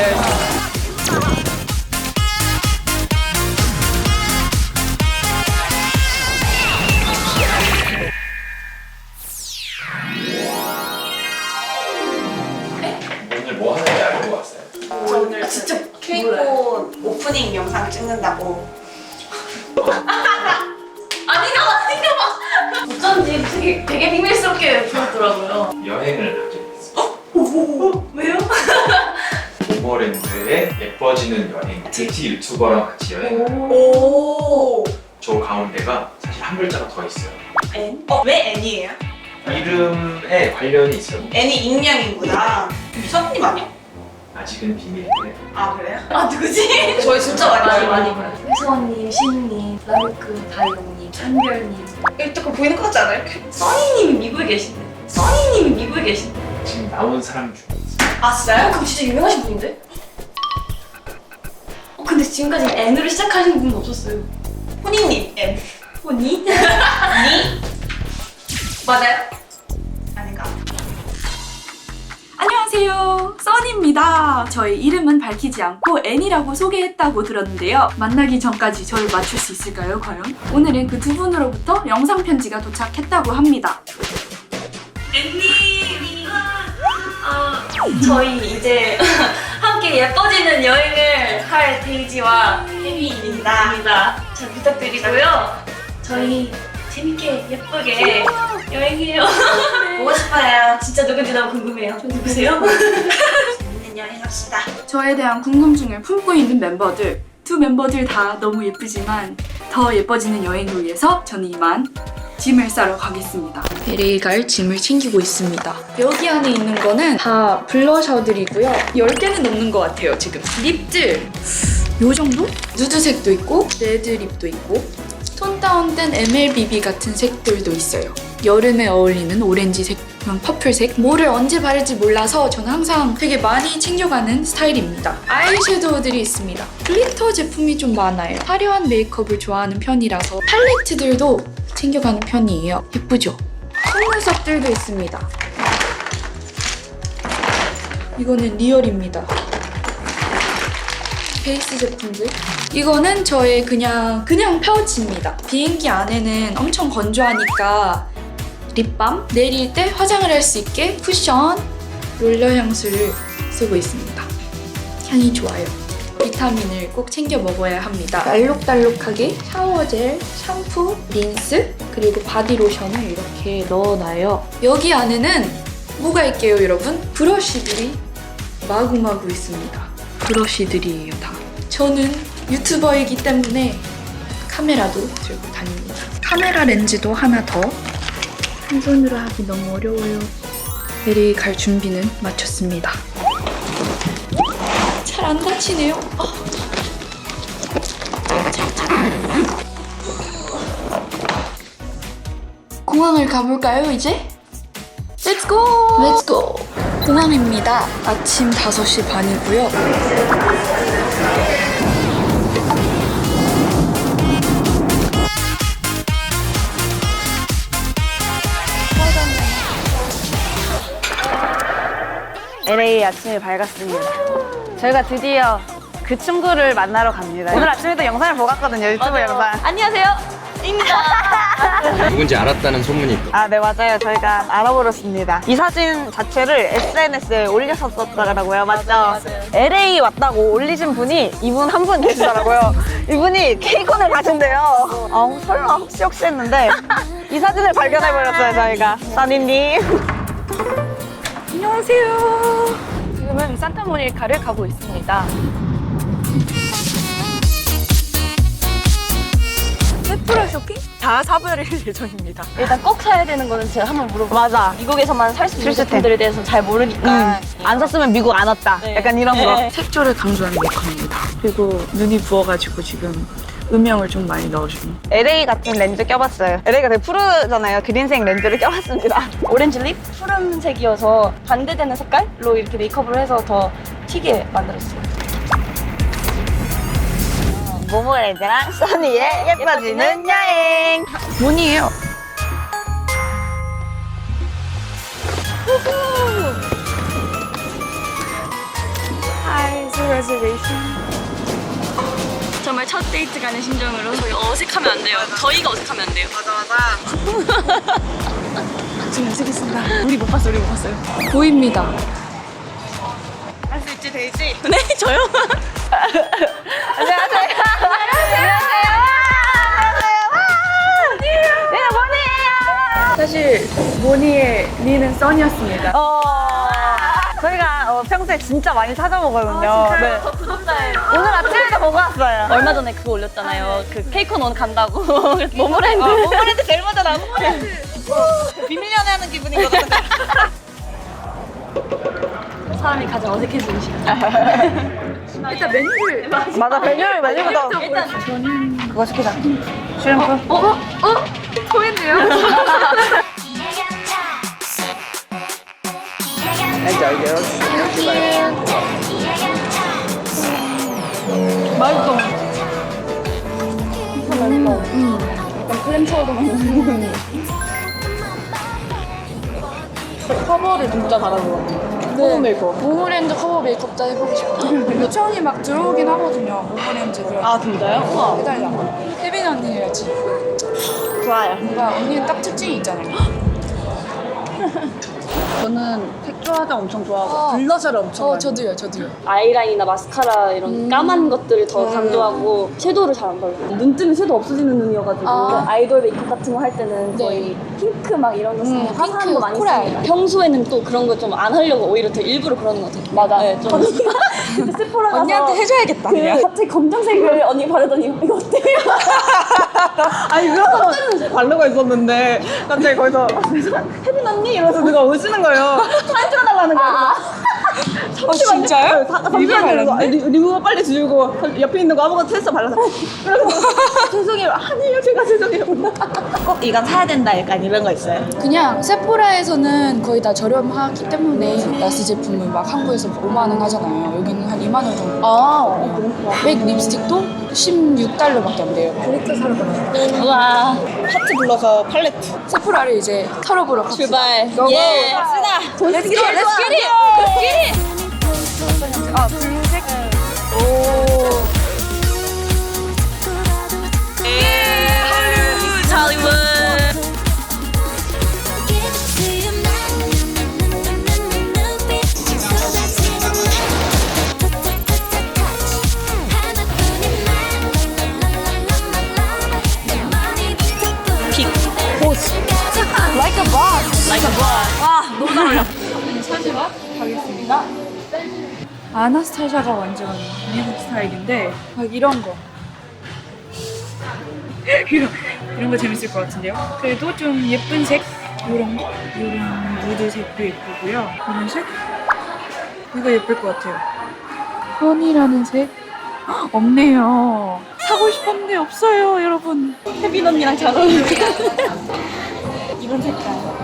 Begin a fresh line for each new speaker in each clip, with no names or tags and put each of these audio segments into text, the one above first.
되어 있어요.
오늘 뭐 하는지 알고 왔어요?
저 오늘 진짜 케이크꽃 오프닝 영상 찍는다고.
아니가 어쩐지 되게 비밀스럽게 보였더라고요.
여행을 하게 됐어요.
왜요?
모모랜드의 예뻐지는 여행 뷰티 유튜버랑 같이 여행을 해요.
오.
저 가운데가 사실 한 글자가 더 있어요.
N? 왜 N이에요?
이름에 관련이 있어요.
N이 익명이구나. 미선님 아니야?
아직은 비밀인데
아 그래요?
아 누구지?
저희 진짜 많이
많이 봐요. 혜서님, 신님, 라루크, 다이용님, 한별님.
일단 보이는 것 같지 않아요?
써니님이 미국에 계신데. 써니님이 미국에 계신데.
지금 나온 사람 중에 있어요.
아 진짜요?
그럼 진짜 유명하신 분인데? 근데 지금까지 N으로 시작하시는 분은 없었어요.
혼이님 N.
호니?
니? 맞아요? 아닌가?
안녕하세요, 써니입니다. 저희 이름은 밝히지 않고 N이라고 소개했다고 들었는데요. 만나기 전까지 저를 맞출 수 있을까요, 과연? 오늘은 그 두 분으로부터 영상 편지가 도착했다고 합니다.
저희 이제 함께 예뻐지는 여행을 할 데이지와 혜미입니다. 잘 부탁드리고요. 저희 재밌게 예쁘게 여행해요.
보고 싶어요.
진짜 누군지 너무 궁금해요. 누구세요?
재밌는 여행 합시다.
저에 대한 궁금증을 품고 있는 멤버들, 두 멤버들 다 너무 예쁘지만 더 예뻐지는 여행을 위해서 저는 이만 짐을 싸러 가겠습니다. LA 갈 짐을 챙기고 있습니다. 여기 안에 있는 거는 다 블러셔들이고요. 10개는 넘는 것 같아요, 지금. 립들! 요 정도? 누드색도 있고, 레드 립도 있고, 톤 다운된 MLBB 같은 색들도 있어요. 여름에 어울리는 오렌지색, 퍼플색. 뭐를 언제 바를지 몰라서 저는 항상 되게 많이 챙겨가는 스타일입니다. 아이섀도우들이 있습니다. 글리터 제품이 좀 많아요. 화려한 메이크업을 좋아하는 편이라서 팔레트들도 챙겨가는 편이에요. 예쁘죠? 속눈썹들도 있습니다. 이거는 리얼입니다. 베이스 제품들. 이거는 저의 그냥 파우치입니다. 비행기 안에는 엄청 건조하니까 립밤, 내릴 때 화장을 할 수 있게 쿠션, 롤러 향수를 쓰고 있습니다. 향이 좋아요. 비타민을 꼭 챙겨 먹어야 합니다. 알록달록하게 샤워젤, 샴푸, 린스, 그리고 바디로션을 이렇게 넣어놔요. 여기 안에는 뭐가 있게요, 여러분? 브러쉬들이 마구마구 있습니다. 브러쉬들이에요, 다. 저는 유튜버이기 때문에 카메라도 들고 다닙니다. 카메라 렌즈도 하나 더. 한 손으로 하기 너무 어려워요. LA 갈 준비는 마쳤습니다. 잘 안 다치네요. 공항을 가볼까요, 이제? Let's go! Let's go! 공항입니다. 아침 5시 반이고요.
LA 아침이 밝았습니다. 저희가 드디어 그 친구를 만나러 갑니다. 오늘 아침에도 영상을 보고 갔거든요, 유튜브 영상.
안녕하세요.
누군지 알았다는 소문이 있고.
아, 네, 맞아요. 저희가 알아버렸습니다. 이 사진 자체를 SNS에 올렸었더라고요. 맞죠? LA 왔다고 올리신 분이 이분 한 분 계시더라고요. 이분이 케이콘을 가신대요. 설마 혹시 했는데 이 사진을 발견해버렸어요, 저희가. 써니님.
안녕하세요. 지금은 산타모니카를 가고 있습니다. 세프라 쇼핑? 다 사버릴 예정입니다.
일단 꼭 사야 되는 거는 제가 한번 물어볼게요.
맞아.
미국에서만 살 수 있는
실수템.
제품들에 대해서 잘 모르니까.
안 샀으면 미국 안 왔다.
네.
약간 이런 거.
네.
색조를 강조하는 메이크업입니다. 그리고 눈이 부어가지고 지금 음영을 좀 많이 넣어주는.
LA 같은 렌즈 껴봤어요. LA가 되게 푸르잖아요. 그린색 렌즈를 껴봤습니다.
오렌지 립? 푸른색이어서 반대되는 색깔로 이렇게 메이크업을 해서 더 튀게 만들었어요.
모모랜드랑 써니의 예뻐지는 여행.
문이에요. Hi,
reservation.
정말 첫 데이트 가는 심정으로 저희 어색하면 안 돼요. 저희가 어색하면 안 돼요.
맞아.
지금 어색했습니다. 우리 못 봤어요.
보입니다.
할 수 있지, 데이지?
네, 저요?
안녕하세요. 뭐니에요?
사실 모니의 니는 써니였습니다.
저희가 평소에 진짜 많이 찾아보거든요. 네.
저 구독자예요.
오늘 아침에도 보고 왔어요.
얼마 전에 그거 올렸잖아요. 그 케이콘 오늘 간다고. 그래서 모모랜드.
모모랜드 제일 먼저 나온 모모랜드. 비밀 연애하는 기분이거든.
사람이 가장 어색해지는 시간.
일단 메뉴를
맞아, 메뉴부터.
일단 저는
그거 시키자. 슈림프.
토했네요.
맛있어. 약간 크림 차우도 맛있는. 커버를 진짜 잘하더라고요.
네. 모모랜드 커버 메이크업도 해보고 싶어요. 요청이 막 들어오긴 하거든요. 모모랜드를.
아 진짜요?
해달라. 혜빈 언니 해야지.
좋아요.
뭔가 언니는 딱 특징이 있잖아요.
저는 색조 화장 엄청 좋아하고 블러셔를 엄청 많이
저도요.
아이라인이나 마스카라 이런 까만 것들을 더 강조하고 섀도우를 잘 안 바르고 눈 뜨면 섀도우 없어지는 눈이어가지고 아이돌 메이크업 같은 거 할 때는 거의 핑크 막 이런 거 쓰는 화사한
핑크,
거 많이
코랄.
씁니다. 평소에는 또 그런 거 좀 안 하려고 오히려 더 일부러 그러는 것 같아요. 맞아. 네, 좀 그때 세포라 가서
언니한테 해줘야겠다.
그 갑자기 검정색을 언니 바르더니 이거 어때요?
아니 그래서 바르고 있었는데 갑자기 거기서 혜빈 언니 이러면서 누가 오시는 거예요. 사진 찍어달라는 거예요.
진짜요?
잠시만요. 리무버 빨리 지우고 옆에 있는 거 아무거나 테스트 발라서 그래서 죄송해요. 아니에요, 제가 죄송해요. 꼭 이건 사야 된다 약간 이런 거 있어요?
그냥 세포라에서는 거의 다 저렴하기 때문에 라스 제품을 막 한국에서 5만 원 하잖아요. 여기는 한 2만 원 정도. 맥 립스틱도 16달러밖에 안 돼요.
와
하트 블러셔 팔레트.
세포라를 이제 털어보러 갑시다.
출발.
고고.
예.
갑시다.
돈 쓰기 좋아. Let's get it. Let's get it.
블루색.
할리우드 할리우드.
Like a boss.
Like a boss. 와 너무 잘 어울려.
사진과 가겠습니다. 아나스타샤가 완전 미국 스타일인데 막 이런 거 이런 거 재밌을 것 같은데요. 그래도 좀 예쁜 색 이런 거 이런 무드색도 예쁘고요. 이런 색 이거 예쁠 것 같아요. 허니라는 색 없네요. 사고 싶었는데 없어요, 여러분.
혜빈 언니랑 잘 어울려.
이런 색깔.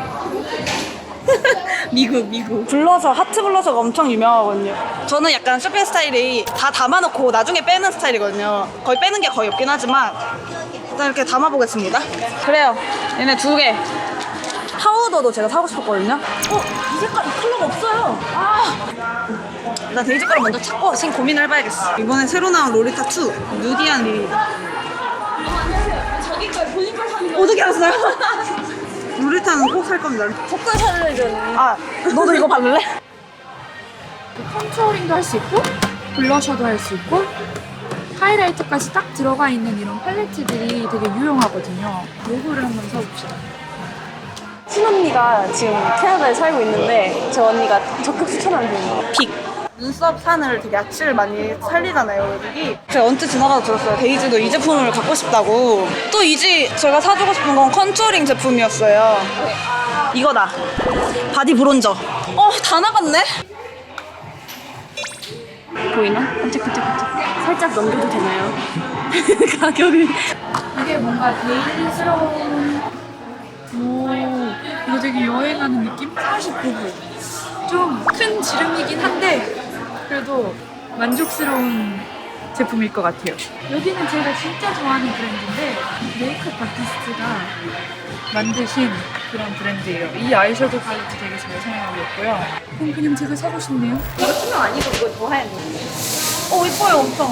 미국.
블러셔, 하트 블러셔가 엄청 유명하거든요. 저는 약간 쇼핑 스타일이 다 담아놓고 나중에 빼는 스타일이거든요. 거의 빼는 게 거의 없긴 하지만 일단 이렇게 담아보겠습니다. 그래요. 얘네 2개. 파우더도 제가 사고 싶었거든요. 이 색깔, 이 컬러가 없어요. 일단 데이지 거를 먼저 찾고 지금 고민을 해봐야겠어. 이번에 새로 나온 로리타 2 누디한 리.
자기 걸 본인 걸 사는 거.
어떻게 알았어요? 로리타는 꼭 살 겁니다.
색깔 살려줘야
아, 너도 이거 바를래?
컨투어링도 할 수 있고 블러셔도 할 수 있고 하이라이터까지 딱 들어가 있는 이런 팔레트들이 되게 유용하거든요. 요거를 한번 사봅시다.
친언니가 지금 캐나다에 살고 있는데 제 언니가 적극 추천하는 분이에요. 빅.
눈썹 산을 되게 야치를 많이 살리잖아요, 여기. 제가 언뜻 지나가다 들었어요. 데이지도 이 제품을 갖고 싶다고. 또 이지 제가 사주고 싶은 건 컨투어링 제품이었어요. 이거다. 바디 브론저. 다 나갔네?
보이나? 깜짝깜짝. 살짝 넘겨도 되나요? 가격을.
이게 뭔가 데일리스러운 이거 되게 여행하는 느낌? 49불. 좀 큰 지름이긴 한데 그래도 만족스러운 제품일 것 같아요. 여기는 제가 진짜 좋아하는 브랜드인데 메이크업 아티스트가 만드신 그런 브랜드예요. 이 아이섀도우 팔레트 되게 잘 사용하고 있고요. 그럼 그냥 제가 사고 싶네요.
이거 투명 아니고 이거 더 하얀 거.
이뻐요 엄청.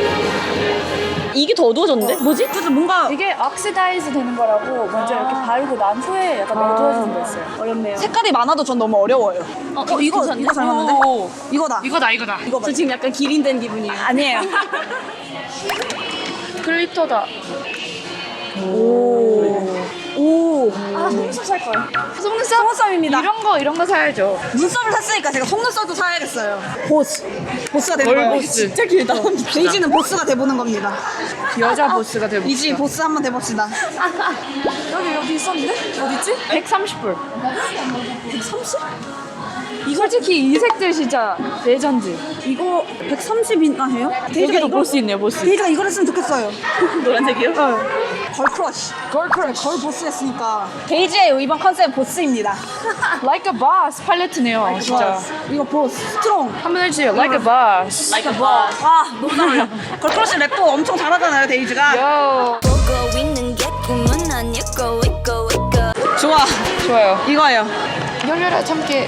이게 더 어두워졌는데? 뭐지?
그래서 뭔가
이게 억시다이즈 되는 거라고 먼저 이렇게 바르고 난 후에 약간 어두워지는 거 있어요.
어렵네요.
색깔이 많아도 전 너무 어려워요. 이거
괜찮네.
이거 잘 맞는데? 이거다.
이거다.
저 지금 약간 기린된 기분이에요.
아니에요.
글리터다.
아, 속눈썹 살 걸.
속눈썹입니다.
이런 거 사야죠.
눈썹을 샀으니까 제가 속눈썹도 사야겠어요. 보스가 되는 거예요.
진짜 길다.
데이지는 보스가 돼보는 겁니다.
여자 보스가 되고.
이지 보스 한번 돼봅시다.
여기 있었는데? 어딨지? 130불. 130? 솔직히 이 색들 진짜 레전드.
이거 130인가 해요?
여기도 보스 있네요, 보스.
데이지가 이걸 했으면 좋겠어요.
노란색이요?
걸크러쉬. 걸 보스 했으니까. 데이지의 이번 컨셉은 보스입니다.
Like a boss 팔레트네요, 진짜.
이거 보스. 스트롱.
한번 해주세요. Like a boss.
Like a boss.
아, 너무 잘 어울려. 걸크러쉬 랩도 엄청 잘하잖아요, 데이지가.
요.
보고 있는 게 꿈은 아니고 있고
좋아.
좋아요.
이거예요.
열려라, 참깨.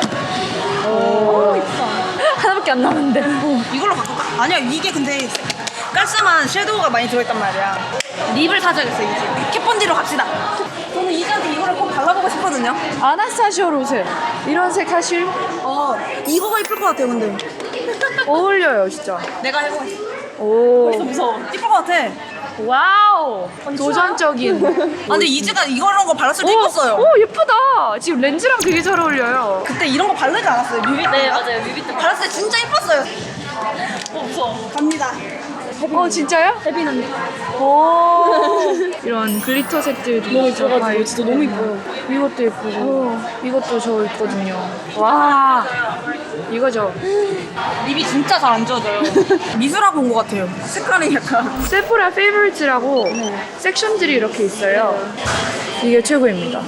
하나밖에 안 남았는데.
이걸로 바꿀까? 아니야, 이게 근데 깔끔한 섀도우가 많이 들어있단 말이야. 립을 사줘야겠어, 이제. 캣본디로 갑시다. 저는 이지한테 이거를 꼭 발라보고 싶거든요.
아나스타시오로 오세요. 이런 색 하실?
이거가 이쁠 것 같아요, 근데.
어울려요, 진짜.
내가 해보겠어.
오.
무서워. 이쁠 것 같아.
와우. 도전적인.
아, 근데 이지가 이런 거 발랐을 때 이뻤어요.
오, 예쁘다. 지금 렌즈랑 되게 잘 어울려요.
그때 이런 거 바르지 않았어요? 뮤비 때?
네, 맞아요. 뮤비 때.
발랐을 때 진짜 이뻤어요. 무서워. 갑니다.
진짜요?
혜빈 언니.
이런 글리터 색들도
너무 좋아가지고 진짜 너무 이뻐요.
이것도 예쁘고 이것도 저 있거든요. 와, 이거죠.
립이 진짜 잘 안 지워져요. 미술하고 온 것 같아요. 색깔이 약간.
세포라 페이버리트라고 섹션들이 이렇게 있어요. 이게 최고입니다.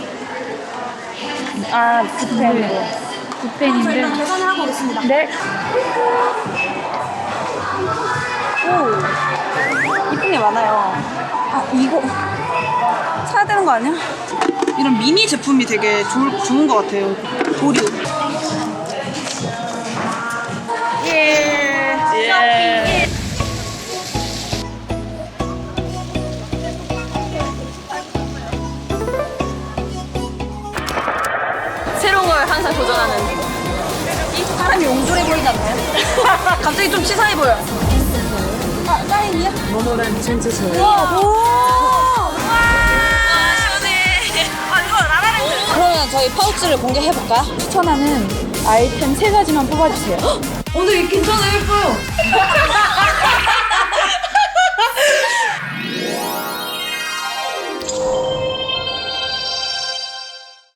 아, 굿펜.
붓펜인데.
일단 계산을 하고 오겠습니다.
네.
이쁜 게 많아요. 아, 이거 사야 되는 거 아니야? 이런 미니 제품이 되게 좋은 것 같아요. 도류. 예.
새로운 걸 항상 도전하는.
사람이 옹졸해 보이지 않나요? 갑자기 좀 치사해 보여. 아, 사인이야?
모노란 전체서.
오! 와, 시원해. 아, 이거 라라랜드. 그러면 저희 파우치를 공개해볼까요?
추천하는 아이템 3가지만 뽑아주세요.
오늘 괜찮아요, 예뻐요.